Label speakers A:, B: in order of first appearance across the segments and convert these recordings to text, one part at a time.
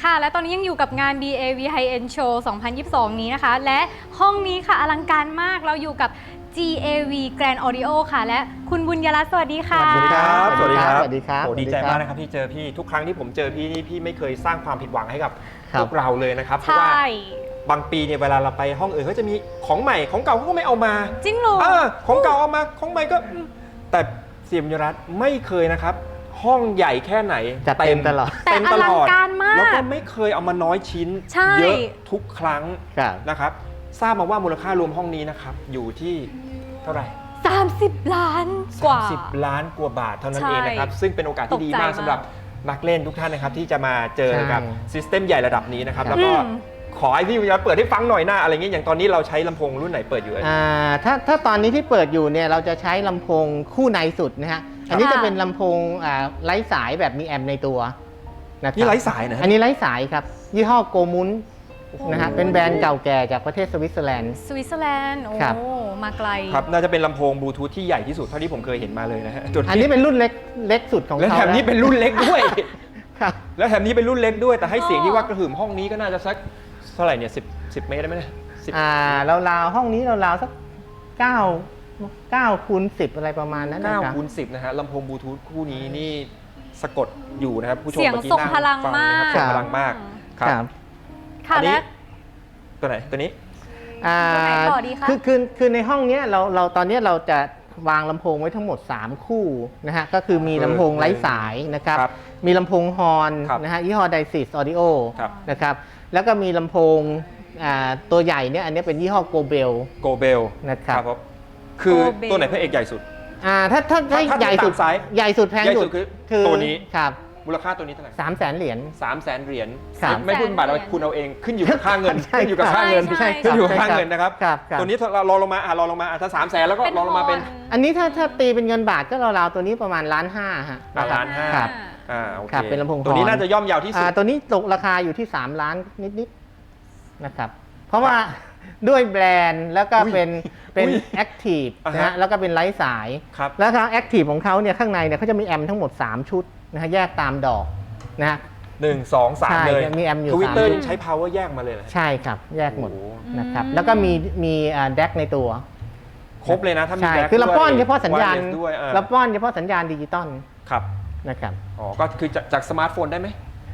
A: ค่ะและตอนนี้ยังอยู่กับงาน DAV High End Show 2022 นี้นะคะและห้องนี้ค่ะอลังการมากเราอยู่กับ GAV Grand Audio ค่ะและคุณบุญยรัตน์สวัสดีค่ะ
B: สวัสดีครับ
C: สวัสดีครับ สวัสดีครับ
B: โอ้ดีใจมากนะครับที่เจอพี่ทุกครั้งที่ผมเจอพี่นี่พี่ไม่เคยสร้างความผิดหวังให้กับพวกเราเลยนะครับเพราะว่าบางปีเนี่ยเวลาเราไปห้องอื่นเขาจะมีของใหม่ของเก่าเขาก็ไม่เอามา
A: จริงเหรอ
B: ของเก่าเอามาของใหม่ก็แต่เสียมยรัตน์ไม่เคยนะครับห้องใหญ่แค่ไหน
C: จัดเต็มตลอด
A: แต่อลังการมาก
B: แล้วก็ไม่เคยเอามาน้อยชิ้น
A: ใช่
B: เยอะทุกครั้ง
C: ครับ
B: นะครับทราบมาว่ามูลค่ารวมห้องนี้นะครับอยู่ที่เท่าไหร่
A: 30 ล้านกว่า
B: 30 ล้านกว่าบาทเท่านั้น
A: ใช่
B: เองนะครับซึ่งเป็นโอกาสที่ดีมาก
A: ตกใจมาก
B: สำหรับนักเล่นทุกท่านนะครับที่จะมาเจอกับ
C: ใช่
B: ซิสเต็มใหญ่ระดับนี้นะครับ
C: ครับ
B: แล้วก็ขอให้พี่วิญญาณเปิดให้ฟังหน่อยหน้าอะไรเงี้ยอย่างตอนนี้เราใช้ลำโพงรุ่นไหนเปิดอยู่
C: ถ้าตอนนี้ที่เปิดอยู่เนี่ยเราจะใช้ลำโพงคู่ในสุดนะฮะอันนี้จะเป็นลำโพงไร้สายแบบมีแอมป์ในตัวนะครับ
B: นี่ไร้สายนะ
C: อันนี้ไร้สายครับยี่ห้อโกมุน
A: โอ้โห
C: นะฮะเป็นแบรนด์เก่าแก่จากประเทศสวิตเซอร์แลนด์
A: สวิตเซอร์แลนด์โอ้
C: ครับ
A: มาไกล
B: ครับน่าจะเป็นลำโพงบลูทูธที่ใหญ่ที่สุดเท่าที่ผมเคยเห็นมาเลยนะฮะจน
C: อันนี้เป็นรุ่นเล็กสุดของ
B: และ
C: เขา
B: แถมนี้เป็นรุ่นเล็กด้วย
C: ครับ
B: แล้วแถมนี้เป็นรุ่นเล็กด้วยแต่ให้เสียงที่ว่ากระหึ่มห้องนี้ก็น่าจะสักเท่าไหร่เนี่ย10 เมตรได้ไหมเนี่ย10
C: ราวๆห้องนี้ราวๆสัก9คูณ10อะไรประมาณนั้นนะครับ
B: 9 คูณ 10นะฮะลำโพงบลูทูธคู่นี้นี่สะกดอยู่นะครับผู้ชม
A: เสียง
B: เมื่อกี้
A: ทรง
B: นั่ง
A: พลัง
B: ฟั
A: มาก
B: นะครับทรงพลังมากครับ
A: ค่ะ
B: อันนี้
A: และ
B: ตัวไหนตัวนี้
A: ตัวไหนต่อดีคะ
C: คือในห้องเนี้ยเราตอนเนี้ยเราจะวางลำโพงไว้ทั้งหมด 3 คู่นะฮะก็คือมีลำโพงไร้สายนะครับ
B: ครับ
C: มีลำโพงฮอร์น
B: ครับ
C: นะฮะยี่ห้อ Daisis Audio
B: ครับ
C: นะครับแล้วก็มีลำโพงตัวใหญ่เนี่ยอันนี้เป็นยี่ห้อ Gobel
B: โกเบล
C: นะครับ
B: ผมคือ
A: Gobel
B: ตัวไหนพระเอกใหญ่สุด
C: ถ้า
B: ถ้า
C: ใหญ่สุด
B: ตามไซส์
C: ใหญ่สุดแพง
B: ใหญ่สุ
C: สุ
B: ด
C: ด
B: คือตัวนี้
C: ครับ
B: มูลค่าตัวนี้เท่าไหร่
C: 300,000 เหรียญ
B: 300,000 เหรียญ
C: ครับ
B: ไม่พูดบาทเอาคุณเอาเองขึ้นอยู่กับค่าเงิน
C: ใช่
B: ขึ้นอยู่กับค่าเงิน
A: ใช่
B: ขึ้นอยู่กับค่าเงินนะครับ
C: ครับครับ
B: ตัวนี้เรารอลงมาลองลงมาถ้า300,000แล้วก็รอลงมาเป็น
C: อันนี้ถ้าตีเป็นเงินบาทก็ราวๆตัวนี้ประมาณ1.5 ล้านฮะ
B: ล้านห้า
C: ครับ
B: โอเค
C: ครับเป็นลำโพง
B: ตัวนี้
C: ฮอร์น
B: น่าจะย่อมเยาวที่สุด
C: ตัวนี้ตกราคาอยู่ที่3 ล้านนิดๆนะครับเพราะว่าด้วยแบรนด์แล้วก็เป็น
B: อุ๊ย
C: แอคทีฟ
B: อ่าฮะ
C: นะฮะแล้วก็เป็นไร้สาย
B: ครับ
C: แล้วทางแอคทีฟของเขาเนี่ยข้างในเนี่ยเขาจะมีแอมป์ทั้งหมด 3 ชุดนะฮะแยกตามดอกนะฮะ
B: 1 2 3
C: ใช่
B: เลย
C: มีแอมป์อยู่
B: ทวิตเตอร์
C: 3
B: ยังใช้ power แยกมาเลยเหรอ
C: ใช่ครับแยกหมด
B: โอ้โห
C: นะครับแล้วก็มีแดกในตัว
B: ครบเลยนะถ้ามี
C: ใช่
B: แบ็ค
C: คือเราป้อน
B: ด้วย
C: เฉพาะสัญญาณ
B: wireless ด้วย
C: เราป้อนเฉพาะสัญญาณดิจิตอล
B: ครับ
C: นะครับ
B: อ๋อก็คือจากสมาร์ทโฟนได้ไหม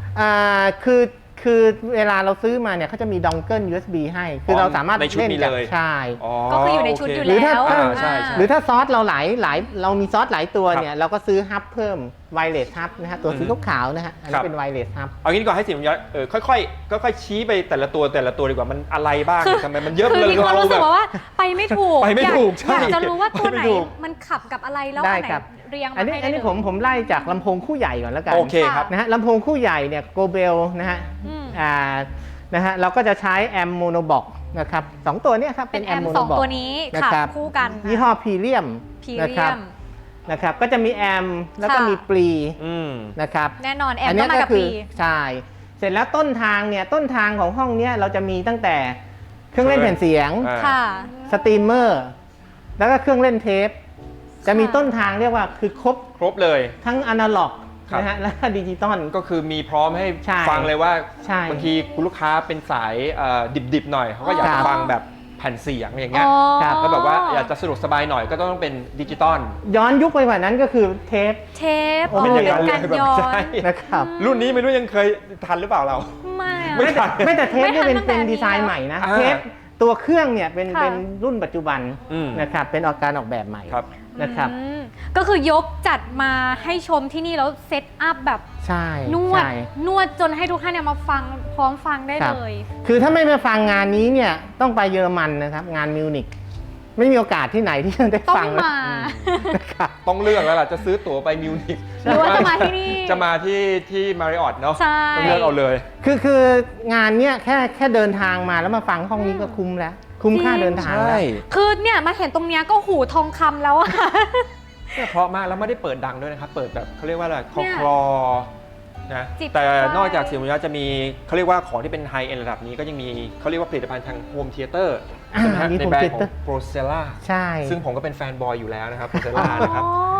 C: คือเวลาเราซื้อมาเนี่ยเขาจะมีดองเกิล USB ให้ คือเราสามารถ
B: ในชุด
C: เล่น
B: นี้
C: กับ
B: เลย
C: ใช่
A: ก็คืออยู่ในชุดอยู่
C: หรือถ้า
A: แล้ว
B: ใช่
C: หรือถ้าซอสเราเรามีซอสหลายตัว
B: ครับ
C: เนี่ยเราก็ซื้อฮับเพิ่มไวเลสฮับนะฮะตัวสีขาวๆนะฮะอัน
B: ครั
C: นี้
B: บ
C: เป็นไวเลสฮับ
B: เอางี้ดีกว่าให้เสียงย้อยค่อยๆชี้ไปแต่ละตัวดีกว่ามันอะไรบ้างทำไมมันเยอะ
A: คือ
B: เลย
A: มีความรู้สึกว่าไปไม่ถูก
B: ไปไม่ถูก
A: อยา
B: ใช่
A: จะรู้ว่าตัวไหน
B: ไปไม่ถูก
A: มันขับกับอะไรแล้ว
C: ได้
A: อันไหน
C: ครับ
A: เรียง
C: อั
A: มาน
C: นี้
A: ให้
C: อัน
A: ได้
C: นี้
A: เลย
C: ผมไล่จากลำโพงคู่ใหญ่ก่อนแล้วกัน
B: โอเคครับ
C: นะฮะลำโพงคู่ใหญ่เนี่ยโกเบลนะฮะ
A: อืม
C: นะฮะเราก็จะใช้แอมโมโนบอกนะครับสองตัวเนี้ครับ
A: เป็นแอม
C: โม
A: ส
C: โน
A: อง
C: บอก
A: ตัวนี้
C: นะ
A: ขับ
C: ครับ
A: คู่กัน
C: ยี่ห้อพีเรียม
A: พี
C: นะ
A: เรี
C: ครั
A: ย
C: บ
A: ม
C: นะครับก็จะมีแอมแล้วก็
A: ค่ะ
C: มีปลี
B: อืม
C: นะครับ
A: แน่นอนแอม
C: อัน
A: ก็
C: เนี้ย
A: มา
C: ก็
A: กับ
C: คื
A: ปี
C: ใช่เสร็จแล้วต้นทางเนี่ยต้นทางของห้องเนี้ยเราจะมีตั้งแต่เครื่องเล่นแผ่นเสียง
A: ค่ะ
C: สตรีมเมอร์แล้วก็เครื่องเล่นเทปจะมีต้นทางเรียกว่าคือครบ
B: เลย
C: ทั้งอนาล็อก
B: ครับ
C: นะฮะและดิจิตอล
B: ก็คือมีพร้อมให้
C: ใช่
B: ฟังเลยว่า
C: ใช่
B: บางทีคุณลูกค้าเป็นสายดิบๆหน่อยเขาก็อยาก
C: ครั
B: จะ
C: บ
B: ฟังแบบแผ่นเสียงอย่างเงี้ย
A: อ๋อ
C: ครับ
B: แล้วแบบว่าอยากจะสะดวกสบายหน่อยก็ต้องเป็นดิจิตอล
C: ย้อนยุคไปกว่านั้นก็คือเทป
A: เทป
C: โอ้เป็นอย่างนั้น
A: การ
B: เลยแบบ
A: ย้อ
B: ใช่
A: น
C: นะครับ
B: รุ่นนี้ไม่รู้ยังเคยทันหรือเปล่าเรา
A: ไม่อะ
B: ไม่ทัน
C: ไม่แต่เทปนี่
A: ไม่ทันตั้งแต่
C: เป็น
A: นี้
C: ดีไซน์
A: แล้ว
C: ใหม่นะ
B: อ่า
C: เทปตัวเครื่องเนี่ยเป็น
A: ค่ะ
C: รุ่นปัจจุบัน
B: อืม
C: นะครับเป็นการออกแบบใหม่
B: ครับ
C: นะครับ
A: อืมก็คือยกจัดมาให้ชมที่นี่แล้วเซตอัพแบบ
C: ใช่
A: นวด
C: ใช่
A: นวดจนให้ทุกท่านเนี่ยมาฟังพร้อมฟังได้
C: ครับ
A: เลย
C: คือถ้าไม่มาฟังงานนี้เนี่ยต้องไปเยอรมันนะครับงานมิวนิกไม่มีโอกาสที่ไหนที่จะได้
A: ต้อง
C: ฟัง
A: มา
C: นะครับ
B: ต้องเลือกแล้วล่ะจะซื้อตั๋วไปมิวนิก
A: หรือว่าจะมาที่นี่
B: จะมาที่มาริออตเนาะ
A: ใช่
B: ต้องเลือกเอาเลย
C: คืองานเนี้ยแค่เดินทางมาแล้วมาฟังห้องนี้ก็คุ้มแล้ว คุ้มค่าเดินทางแล้ว
A: คือเนี่ยมาเห็นตรงเนี้ยก็หูทองคำแล้วอะ
B: เนี่ยเพราะมากแล้วไม่ได้เปิดดังด้วยนะครับ เปิดแบบเขาเรียกว่าอะไรคลอ
A: เนี่ย
B: คลอนะ
A: จิบ
B: แต่
A: ไฟ
B: นอกจากเสียงวิญญาณจะมีเขาเรียกว่าของที่เป็นไฮเอ็นระดับนี้ก็ยังมีเขาเรียกว่าผลิตภัณฑ์ทางโฮมเทเตอร์
C: อ่า
B: ใช่ไหมฮะ
C: มี
B: ใน
C: home
B: แบรนด์ของ
C: theater
B: โปรเซล่า
C: ใช่
B: ซึ่งผมก็เป็นแฟนบอยอยู่แล้วนะครับโปรเซล่านะครับ
A: อ๋อ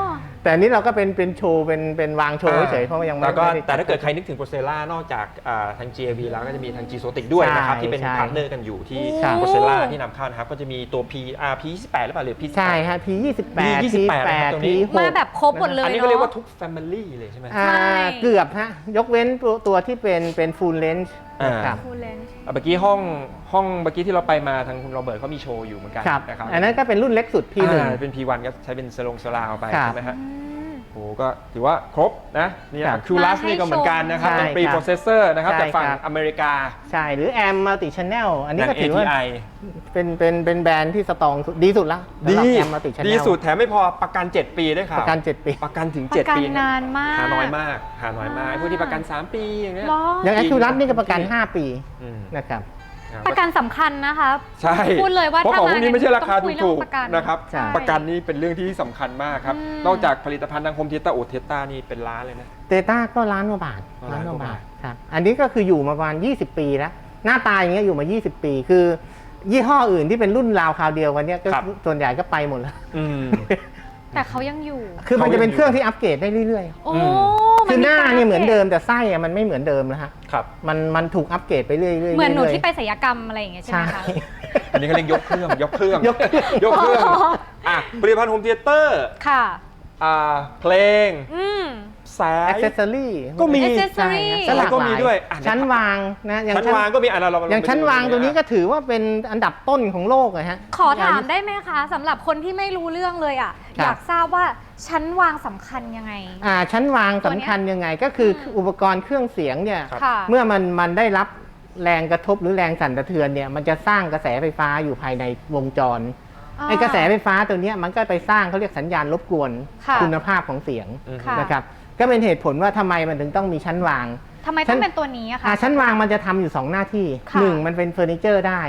C: แต่อันนี้เราก็เป็นโชว์เป็นวางโชว์เฉยๆเพราะว่ายังไม่
B: แล้วก็
C: ได้
B: แต่ถ้าเกิดใครนึกถึง Procella นอกจากทาง GAV แล้วก็จะมีทาง G-Zotic ด้วยนะครับ
C: ใช่
B: ที่เป็น
C: ใช่
B: พาร์ทเนอร์กันอยู่ที่
C: ครับ
B: Procella ที่นำเข้านะครับ ก็จะมีตัว P28 หรือเปล่าหรือ P28
C: ใช่ฮะ P28
B: นะครับตรงนี้
C: P6
A: มาแบบครบหมดเลย
B: อันนี้
A: เนาะ
B: ก็เรียกว่าทุก Family เลยใช่ไหม
C: อ่า
A: ใช่
C: เกือบฮะยกเว้นตัวที่เป็น full range นะครับ
A: ฟูลเลน
B: เมื่อกี้ห้องเมื่อกี้ที่เราไปมาทางคุณโรเบิร์ตเขามีโชว์อยู่เหมือนกัน
C: ครับ
B: นะครับ
C: อันนั้นก็เป็นรุ่นเล็กสุด P1
B: เป็น P1 ก็ใช้เป็นสลาวไป
C: ครับ
B: ใช่ไหมฮะโอ้ก็ถือว่าครบนะนี่
C: ครับ
B: คิวลัสนี่ก็เหมือนกันนะครับ
C: ใช่
B: เป็นปรี
C: ครับ
B: โปรเซสเซอร์นะครับ
C: ใช่
B: จากฝั่ง
C: ครับ
B: อเมริกา
C: ใช่หรือ AM multi channel อันนี้
B: อย่าง
C: ก็ถือว่า
B: ATI
C: เป็นแบรนด์ที่สตรองสุดดีสุดแล้วสำหรับ AM multi channel
B: ดีสุดแถมไม่พอประกัน 7 ปีด้วยครับ
C: ประกัน 7 ปี
B: ประกันถึง
A: ประกั
B: 7 ปี
A: นานมาก
B: หาน้อยมากพวกที่ประกัน 3 ปีอย่างเงี้ย
A: หรอ
C: อย่าง Accurat นี่ก็ประกัน 5 ปี
B: อืม
C: นะครับ
A: ประกันสำคัญนะคะ
B: ใช่
A: พูดเลยว่า
B: เพราะของพวกนี้ไม่ใช่ราคา
A: ต้องคุยเรื่
B: ถู
A: อง
B: ก
A: ประกัน
B: ๆนะครับ
C: ใช่
B: ประกันนี่เป็นเรื่องที่สำคัญมากครับ
A: อืม
B: นอกจากผลิตภัณฑ์ทางโฮมเทเตอร์โอเทสตานี่เป็นล้านเลยนะ
C: เตต้าก็ล้านกว่าบาท
B: ล้านกว่าบาท
C: ครับอันนี้ก็คืออยู่มาประมาณ 20 ปีแล้ว หน้าตาอย่างเงี้ยอยู่มา 20 ปี คือ ยี่ห้ออื่นที่เป็นรุ่นราวคราวเดียวกันเนี้ยก็ส่วนใหญ่ก็ไปหมดแล้ว
B: อืม
A: แต่เขายังอยู่
C: คือมันจะเป็นเครื่องที่อัปเกรดได้เรื่อย
A: โอ้
C: ๆ คือหน้าเนี่ย
A: กร
C: เหมือนเดิมแต่ไส้อะมันไม่เหมือนเดิมแล้วฮะ
B: ครับ
C: มันถูกอัปเกรดไปเรื่อยๆ
A: เหมือนหนู
C: รื่ยๆ
A: ที่ไปศัลยกรรมอะไรอย่างเงี้ยใช่ไห
C: ใช่
A: มคะ
B: อันนี้ก็เรียกยกเครื่อง
C: ยกเครื่อง
B: ยกเครื่องอ่ะผลิตภัณฑ์โฮมเทเตอร์
A: ค่ะ
B: เพลง
A: อืม
B: สาย
C: แอ c เซสซอรี่
B: ก็มี
A: accessory
C: สลัก
B: ก็
C: ห
B: มี
C: ลาย
B: ด้วยอ่ะ
C: ชั้นวางนะอย่าง
B: ชั้นวางก็มีเรา
C: อย่างชั้นวางตัวนี้ก็ถือว่าเป็นอันดับต้นของโลกเลยฮะ
A: ขอถามได้ไหมคะสำหรับคนที่ไม่รู้เรื่องเลยอ่ะ
C: ครับ
A: อยากทราบว่าชั้นวางสำคัญยังไง
C: ชั้นวาง
A: ตัว
C: สำ
A: เนี้ย
C: คัญยังไงก็คืออุปกรณ์เครื่องเสียงเนี่ย
A: ค่ะ
C: เมื่อมันได้รับแรงกระทบหรือแรงสั่นสะเทือนเนี่ยมันจะสร้างกระแสไฟฟ้าอยู่ภายในวงจรไอ้กระแสไฟฟ้าตัวเนี้ยมันก็ไปสร้างเขาเรียกสัญญาณรบกวน
A: ค่ะ
C: คุณภาพของเสียง
A: ค่ะ
C: นะครับก็เป็นเหตุผลว่าทำไมมันถึงต้องมีชั้นวาง
A: ทำไมต้องเป็นตัวนี้อะคะ
C: ชั้นวางมันจะทำอยู่ 2 หน้าที่
A: ค่ะ
C: 1 มันเป็นเฟอร์นิเจอร์ได้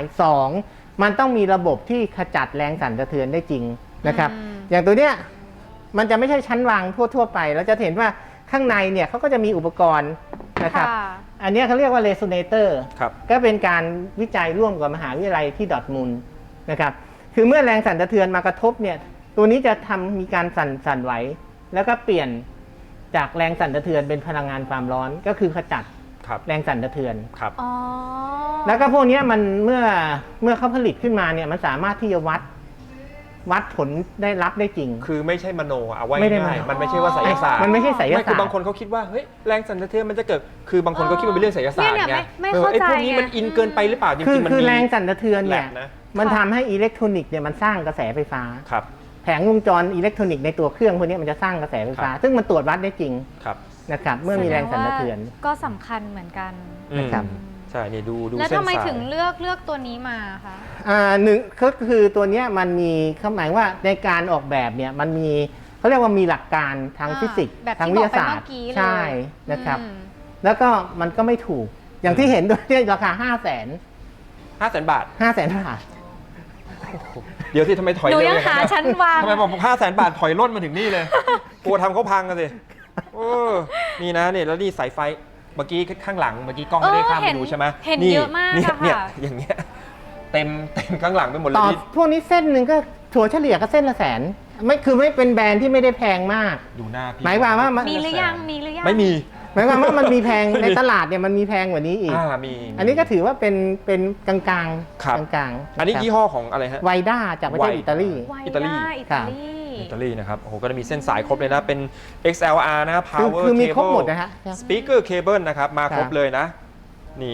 C: 2 มันต้องมีระบบที่ขจัดแรงสั่นสะเทือนได้จริงนะครับ
A: อืม
C: อย่างตัวเนี้ยมันจะไม่ใช่ชั้นวางทั่วๆไปเราจะเห็นว่าข้างในเนี่ยเขาก็จะมีอุปกรณ์นะครับ
A: ค่ะ
C: อันเนี้ยเขาเรียกว่าเรโซเนเตอร์
B: ครับ
C: ก็เป็นการวิจัยร่วมกับมหาวิทยาลัยที่ดอร์ทมุนด์นะครับคือเมื่อแรงสั่นสะเทือนมากระทบเนี่ยตัวนี้จะมีการสั่นไหวแล้วก็เปลี่ยนจากแรงสั่นสะเทือนเป็นพลังงานความร้อนก็คือขจัด
B: ครับ
C: แรงสั่นสะเทือน
B: ครับ
A: อ๋อ
C: แล้วก็พวกเนี้ยมันเมื่อเขาผลิตขึ้นมาเนี่ยมันสามารถที่จะวัดผลได้รับได้จริง
B: คือไม่ใช่มโนเอาไว้
C: ไม่ได้
B: ง่าย
C: มโน
B: ๆมันไม่ใช่ว่าไสยศาสตร์
C: มันไม่ใช่ไสย
B: ไม่คื
C: ศาสต
B: อบาง
C: ร์
B: คนเขาคิดว่าเฮ้ยแรงสั่นสะเทือนมันจะเกิดคือบางคนก็คิดว่าเป็นเรื่องไสยศาสตร์
A: เนี่ย
B: ไง
A: ไม่เข้าใจ
B: ไอ้พวกนี้มัน
A: ไง
B: อินเกินไปหรือเปล่าจริงๆมัน
C: คือ
B: มี
C: แรงสั่นสะเทือน
B: แห
C: เนี่
B: ละ
C: ย
B: นะ
C: มันทำให้อิเล็กทรอนิกส์เนี่ยมันสร้างกระแสไฟฟ้า
B: ครับ
C: แผงวงจรอิเล็กทรอนิกส์ในตัวเครื่องพวกนี้มันจะสร้างกระแสไฟฟ้า
B: ครับ
C: ซึ่งมันตรวจวัดได้จริง
B: ครับ
C: นะครับเมื่อมีแรงสั่นสะเทือน
A: ก็สำคัญเหมือนกัน
C: นะครับ
B: ใช่นี่ดู
A: แล้ว
B: เส้น
A: ทำไม
B: สาย
A: ถึงเลือกตัวนี้มาคะ
C: หนึ่งก็คือตัวเนี้ยมันมีเขาหมายว่าในการออกแบบเนี่ยมันมีเขาเรียกว่ามีหลักการทางฟิสิกส์
A: แบบ
C: ทาง
A: ที่
C: วิ
A: บ
C: ท
A: อก
C: ยา
A: ไป
C: ศาสต
A: เมื่
C: ร์
A: อกี้เลย
C: ใช่นะครับ
A: อืม
C: แล้วก็มันก็ไม่ถูกอย่างที่เห็นด้วยเนี่ยราคา 500,000
B: 500,000 บาท
C: 500,000 บาท
B: เดี๋ยวที่ทำไมถอย
A: หนู
B: เร็ว
A: ยัง
B: อย่าง
A: หา
B: นั้น
A: ชั้นวาง
B: ทำไมบอก500,000 บาทถอยร่นมาถึงนี่เลยกลัวทำเขาพังกันสิโอ้นี่นะเนี่ยแล้วนี่สายไฟเมื่อกี้ข้างหลังเมื่อกี้กล้องไม่ได้ข้ามไปดูใช่ไหม
A: เห็นเยอะมาก
B: เนี่ย
A: อะ
B: เนี่ย
A: ค่ะ
B: อย่างเงี้ยเต็มข้างหลังไปหมดเลย
C: ต่อ
B: นี่
C: พวกนี้เส้นหนึ่งก็ถั่วเฉลี่ยก็เส้นละแสนไม่คือไม่เป็นแบรนด์ที่ไม่ได้แพงมาก
B: ดูหน้าพี่
C: หมายความว่ามัน
A: มีหรือยังมีหรือยัง
B: ไม่มี
C: หมายความว่ามันมีแพงในตลาดเนี่ยมันมีแพงกว่านี้อีก
B: มี
C: อันนี้ก็ถือว่าเป็นกลางๆ
B: ครับ
C: กลางๆ
B: อันนี้ยี่ห้อของอะไรฮะ
C: ไวด้าจากประเทศ
B: ไว
C: อิตาลี
A: ไว
B: อิตาลี
A: ด้อิ
C: ครั
A: ตา
C: บ
A: ลี
B: อิตาลีนะครับ โอ้โห ก็จะมีเส้นสายครบเลยนะ เป็น XLR นะ power
C: คือมี
B: cable
C: ครบหมดนะฮะ
B: speaker cable นะครับ มาครบเลยนะ นี่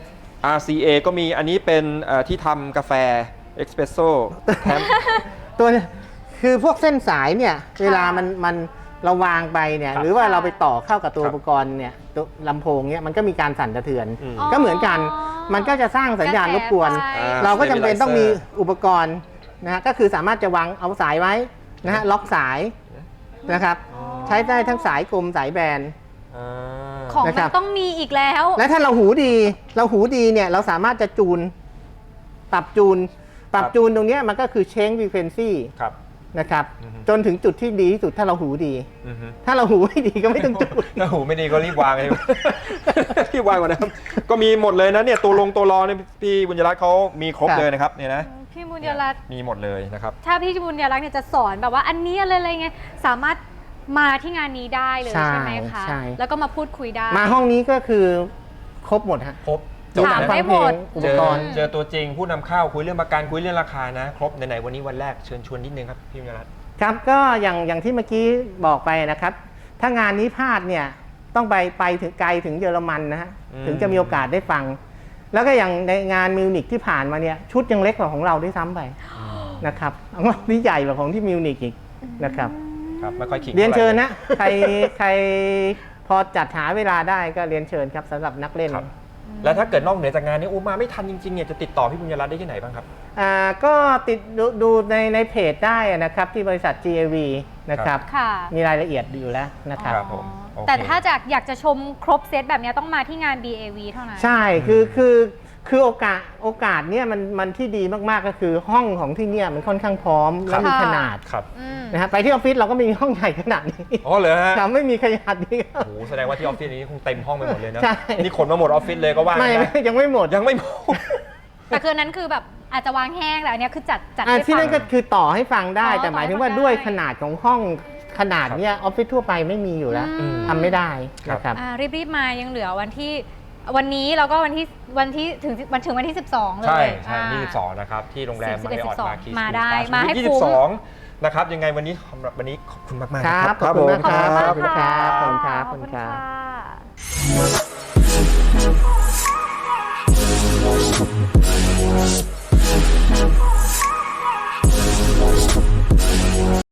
B: RCA ก็มี อันนี้เป็นที่ทำกาแฟ espresso แถม
C: ตัวเนี่ยคือพวกเส้นสายเนี่ยเวลามันเราวางไปเนี่ย
B: ครับ
C: หรือว่าเราไปต่อเข้ากับตัว
B: ครับ
C: อุปกรณ์เนี่ยตัวลำโพงเนี่ยมันก็มีการสั่นสะเทือน
B: อืม
C: ก็เหมือนกันมันก็จะสร้างสัญญาณรบกวน
A: ระแสไฟ
C: เราก็จำเป็นต้องมีอุปกรณ์นะฮะก็คือสามารถจะวางเอาสายไว้นะฮะล็อกสายนะครับ ใช้ได้ทั้งสายกลมสายแบน
B: อ่า
A: ของ
C: นะ
A: มั
C: ครั
A: น
C: บ
A: ต้องมีอีกแล้ว
C: และถ้าเราหูดีเนี่ยเราสามารถจะจูนปรับจูนตรงเนี้ยมันก็คือเชนฟรีเควนซี่
B: ครับ
C: นะครับ
B: อือฮึ
C: จนถึงจุดที่ดีที่สุดถ้าเราหูดี
B: อือฮึ
C: ถ้าเราหูไม่ดีก็ไม่ต้องจูน
B: ถ้าหูไม่ดีก็รีบวางเลย รีบวางก่อนนะครับ ก็มีหมดเลยนะเนี่ย ตัวรอเนี่ยพี่บุญยรัตน์เขามีครบ
C: ครับ
B: เลยนะครับเนี่ยนะ
A: พี่บุญยรัตน์
B: มีหมดเลยนะครับ
A: ถ้าพี่บุญยรัตน์เนี่ยจะสอนแบบว่าอันนี้อะไรไงสามารถมาที่งานนี้ได้เลย
C: ใช่
A: ใช่ไหมคะ
C: ใช่
A: แล้วก็มาพูดคุยได้
C: มาห้องนี้ก็คือครบหมดฮะ
B: ครบ
A: ถาม
B: นะ
A: ได้หมด
C: อุ
B: เจ
C: ป
B: อก
C: รณ์
B: เจอตัวจริงผู้นำเข้าคุยเรื่องประกันคุยเรื่องราคานะครบไหนๆวันนี้วันแรกเชิญชวนนิดนึงครับพี่บุญยรัตน์
C: ครับก็อย่างที่เมื่อกี้บอกไปนะครับ ถ้างานนี้พลาดเนี่ยต้องไปถึงไกลถึงเยอรมันนะฮะถึงจะมีโอกาสได้ฟัง แล้วก็อย่างในงานมิวนิกที่ผ่านมาเนี่ยชุดยังเล็กกว่าของเราด้วยซ้ำไปนะครับของเรานี่ใหญ่กว่าของที่มิวนิกอีกนะครับ
B: ครับไม่ค่อยขิง
C: เรียนเชิญ
B: ท่าไห
C: นะใครพอจัดหาเวลาได้ก็เรียนเชิญครับสำหรับนักเล่น
B: ครับ แล้วถ้าเกิดนอกเหนือจากงานนี้มาไม่ทันจริงๆเนี่ยจะติดต่อพี่บุญยรัตน์ได้ที่ไหนบ้างครับ
C: ก็ติดดูในเพจได้นะครับที่บริษัท GAV นะครับ
A: ค่ะ
C: มีรายละเอียดอยู่แล้วนะครับ
B: ครับผมโอเค
A: แต่ถ้าอยากจะชมครบเซตแบบนี้ต้องมาที่งาน BAV เท่านั้น
C: ใช่คือโอกาสเนี่ยมันที่ดีมากๆก็คือห้องของที่เนี่ยมันค่อนข้างพร้อมและมีขนาด
B: ครับ
A: อืม
C: นะฮะไปที่ออฟฟิศเราก็ไม่มีห้องใหญ่ขนาดนี้
B: อ๋อเหรอฮะ
C: ครับไม่มีขนาดนี้ครั
B: โอ้
C: บ
B: โหแสดงว่าที่ออฟฟิศนี้คงเต็มห้องไปหมดเลยนะ
C: ใช่
B: นี่ขนมาหมดออฟฟิศเลยก็ว่า
C: ไม่
B: ได้
C: ยังไม่หมด
B: ยังไม่หมด
A: แต่คือนั้นคือแบบอาจจะวางแห้งแต่อันเนี้ยคือจัด
C: ที่นั่นก็
A: ให้ฟัง
C: คือต่อให้ฟังได้
A: อ๋อ
C: แต่หมายถึง
A: ต่อให้
C: ว่า
A: ฟัง
C: ด้วย
A: ได้
C: ขนาดของห้องขนาดเนี้ยออฟฟิศทั่วไปไม่มีอยู่แล้ว
A: อืม
C: ทำไม่ได้
B: ครับ
C: นะครับ
A: รีบๆมายังเหลือวันนี้แล้วก็วันที่ถึงวันที่ 12 เลย
B: ใช่ใช่
A: อ่า
B: ที่22นะครับที่โรงแรม
A: 11
B: มาริออทมาคี
A: มาได้
B: ส
A: มาให้
B: ที่
A: คุ้ม
B: 22นะครับยังไงวันนี้สำหรับวันนี้ขอบคุณมากๆ
C: ครับ
B: นะ
C: ขอบคุณมาก
B: ผม
C: ครับ
A: ขอบคุณมาก
C: ขอบคุณครั
A: ค่ะ
C: บขอบคุณครับ
A: ขอบคุณค่ะ